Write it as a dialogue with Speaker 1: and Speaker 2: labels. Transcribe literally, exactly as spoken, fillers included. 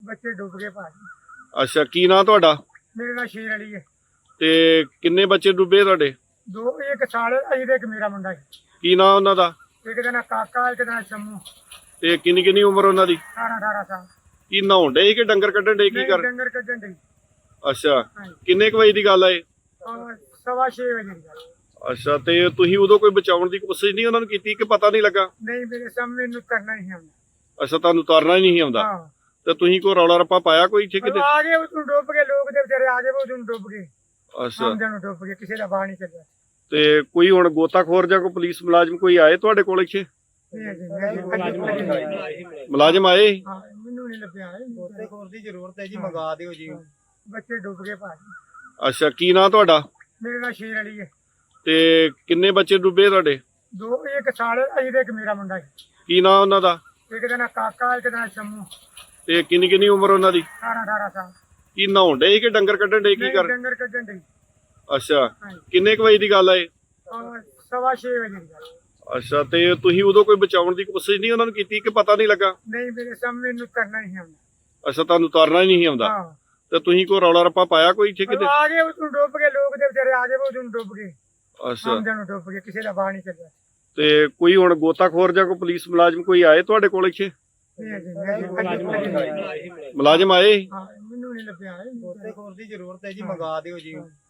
Speaker 1: ਬੱਚੇ ਡੁੱਬ ਗਏ ਭਾਜੀ।
Speaker 2: ਅੱਛਾ, ਕੀ ਨਾਂ ਤੁਹਾਡਾ?
Speaker 1: ਮੇਰੇ ਨਾਲ ਸ਼ੇਰ ਅਲੀ ਹੈ।
Speaker 2: ਤੇ ਕਿੰਨੇ ਬੱਚੇ ਡੁੱਬੇ ਤੁਹਾਡੇ?
Speaker 1: ਦੋ, ਇੱਕ ਸਾਲੇ ਅਜੀ ਤੇ ਇੱਕ ਮੇਰਾ ਮੁੰਡਾ ਹੈ।
Speaker 2: ਕੀ ਨਾਂ ਉਹਨਾਂ ਦਾ?
Speaker 1: ਇੱਕ ਦਾ ਨਾਂ ਕਾਕਾ, ਇੱਕ ਦਾ ਨਾਂ ਸ਼ੰਮੂ।
Speaker 2: ਤੇ ਕਿੰਨੀ ਕਿੰਨੀ ਉਮਰ ਉਹਨਾਂ ਦੀ?
Speaker 1: ਅਠਾਰਾਂ ਅਠਾਰਾਂ ਸਾਲ।
Speaker 2: ਕੀ ਨਹਾਉਣ ਡੇ ਕਿ ਡੰਗਰ ਕੱਢਣ ਡੇ, ਕੀ
Speaker 1: ਨਹੀਂ,
Speaker 2: ਕਰ?
Speaker 1: ਡੰਗਰ ਕੱਢਣ ਡਈ।
Speaker 2: ਅੱਛਾ,
Speaker 1: ਹਾਂਜੀ।
Speaker 2: ਕਿੰਨੇ ਕੁ ਵਜੇ ਦੀ ਗੱਲ ਆ ਇਹ?
Speaker 1: ਔਰ ਸਵਾ ਛੇ ਵਜੇ ਦੀ ਗੱਲ।
Speaker 2: ਅੱਛਾ, ਤੇ ਤੁਸੀਂ ਉਦੋਂ ਕੋਈ ਬਚਾਉਣ ਦੀ ਕੋਸ਼ਿਸ਼ ਨਹੀਂ ਉਹਨਾਂ ਨੂੰ ਕੀਤੀ ਕਿ ਪਤਾ ਨਹੀਂ ਲੱਗਾ?
Speaker 1: ਨਹੀਂ, ਮੇਰੇ ਸਾਹਮਣੇ ਨੂੰ ਕਰਨਾ ਹੀ ਆਉਂਦਾ।
Speaker 2: ਅੱਛਾ, ਤੁਹਾਨੂੰ ਉਤਾਰਨਾ ਹੀ ਨਹੀਂ ਆਉਂਦਾ।
Speaker 1: ਹਾਂ,
Speaker 2: ਤੇ ਤੁਸੀਂ ਕੋਈ ਰੌਲਾ ਰੱਪਾ ਪਾਇਆ ਕੋਈ ਇੱਥੇ ਕਿਤੇ?
Speaker 1: ਆ ਗਏ ਉਦੋਂ ਡੁੱਬ ਗਏ ਲੋਕ, ਦੇ ਵਿਚਾਰੇ ਆ ਗਏ ਉਦੋਂ ਡੁੱਬ ਗਏ।
Speaker 2: ਅੱਛਾ,
Speaker 1: ਆਮਦਨ ਨੂੰ ਡੁੱਬ ਗਏ, ਕਿਸੇ ਦਾ ਬਾਹਰ ਨਹੀਂ ਚੱਲਿਆ।
Speaker 2: ਤੇ ਕੋਈ ਹੁਣ ਗੋਤਾਖੋਰ ਜਾਂ ਕੋਈ ਪੁਲਿਸ ਮੁਲਾਜ਼ਮ ਕੋਈ ਆਏ ਤੁਹਾਡੇ ਕੋਲ ਇੱਥੇ?
Speaker 1: ਨਹੀਂ ਅਜੇ ਨਹੀਂ।
Speaker 2: ਮੁਲਾਜ਼ਮ ਆਏ?
Speaker 1: ਹਾਂ, ਮੈਨੂੰ ਨਹੀਂ ਲੱਭਿਆ।
Speaker 3: ਗੋਤਾਖੋਰ ਦੀ ਜ਼ਰੂਰਤ ਹੈ ਜੀ, ਮੰਗਾ ਦਿਓ ਜੀ।
Speaker 1: ਬੱਚੇ ਡੁੱਬ ਗਏ ਭਾਜੀ।
Speaker 2: ਅੱਛਾ, ਕੀ ਨਾਂ ਤੁਹਾਡਾ?
Speaker 1: ਮੇਰੇ ਨਾਲ ਸ਼ੇਰ ਅਲੀ ਹੈ।
Speaker 2: ਤੇ ਕਿੰਨੇ ਬੱਚੇ ਡੁੱਬੇ ਤੁਹਾਡੇ?
Speaker 1: ਦੋ, ਇੱਕ ਸਾਲੇ ਅਜੀ ਤੇ ਇੱਕ ਮੇਰਾ ਮੁੰਡਾ ਹੈ।
Speaker 2: ਕੀ ਨਾਂ ਉਹਨਾਂ ਦਾ?
Speaker 1: ਇੱਕ ਦਾ ਨਾਂ ਕਾਕਾ, ਇੱਕ ਦਾ ਨਾਂ ਸ਼ੰਮੂ।
Speaker 2: ਤੇ ਕਿੰਨੀ ਕਿੰਨੀ ਉਮਰ ਉਹਨਾਂ ਦੀ?
Speaker 1: ਅਠਾਰਾਂ ਅਠਾਰਾਂ ਸਾਲ।
Speaker 2: ਕੀ ਨਹਾਉਣ ਡੇ ਕਿ ਡੰਗਰ ਕੱਢਣ ਡੇ, ਕੀ
Speaker 1: ਨਹੀਂ,
Speaker 2: ਕਰ?
Speaker 1: ਡੰਗਰ ਕੱਢਣ ਡਈ।
Speaker 2: ਅੱਛਾ,
Speaker 1: ਹਾਂਜੀ।
Speaker 2: ਕਿੰਨੇ ਕੁ ਵਜੇ ਦੀ ਗੱਲ ਆ ਇਹ?
Speaker 1: ਔਰ ਸਵਾ ਛੇ ਵਜੇ ਦੀ ਗੱਲ।
Speaker 2: ਅੱਛਾ, ਤੇ ਤੁਸੀਂ ਉਦੋਂ ਕੋਈ ਬਚਾਉਣ ਦੀ ਕੋਸ਼ਿਸ਼ ਨਹੀਂ ਉਹਨਾਂ ਨੂੰ ਕੀਤੀ ਕਿ ਪਤਾ ਨਹੀਂ ਲੱਗਾ?
Speaker 1: ਨਹੀਂ, ਮੇਰੇ ਸਾਹਮਣੇ ਨੂੰ ਕਰਨਾ ਹੀ ਆਉਂਦਾ।
Speaker 2: ਅੱਛਾ, ਤੁਹਾਨੂੰ ਉਤਾਰਨਾ ਹੀ ਨਹੀਂ ਆਉਂਦਾ।
Speaker 1: ਹਾਂ,
Speaker 2: ਤੇ ਤੁਸੀਂ ਕੋਈ ਰੌਲਾ ਰੱਪਾ ਪਾਇਆ ਕੋਈ ਇੱਥੇ ਕਿਤੇ?
Speaker 1: ਆ ਗਏ ਉਦੋਂ ਡੁੱਬ ਗਏ ਲੋਕ, ਦੇ ਵਿਚਾਰੇ ਆ ਗਏ ਉਦੋਂ ਡੁੱਬ ਗਏ।
Speaker 2: ਅੱਛਾ,
Speaker 1: ਆਮਦਨ ਨੂੰ ਡੁੱਬ ਗਏ, ਕਿਸੇ ਦਾ ਬਾਹਰ ਨਹੀਂ ਚੱਲਿਆ।
Speaker 2: ਤੇ ਕੋਈ ਹੁਣ ਗੋਤਾਖੋਰ ਜਾਂ ਕੋਈ ਪੁਲਿਸ ਮੁਲਾਜ਼ਮ ਕੋਈ ਆਏ ਤੁਹਾਡੇ ਕੋਲ ਇੱਥੇ?
Speaker 1: ਨਹੀਂ ਅਜੇ ਨਹੀਂ।
Speaker 2: ਮੁਲਾਜ਼ਮ ਆਏ?
Speaker 1: ਹਾਂ, ਮੈਨੂੰ ਨਹੀਂ ਲੱਭਿਆ।
Speaker 3: ਗੋਤਾਖੋਰ ਦੀ ਜ਼ਰੂਰਤ ਹੈ ਜੀ, ਮੰਗਾ ਦਿਓ ਜੀ।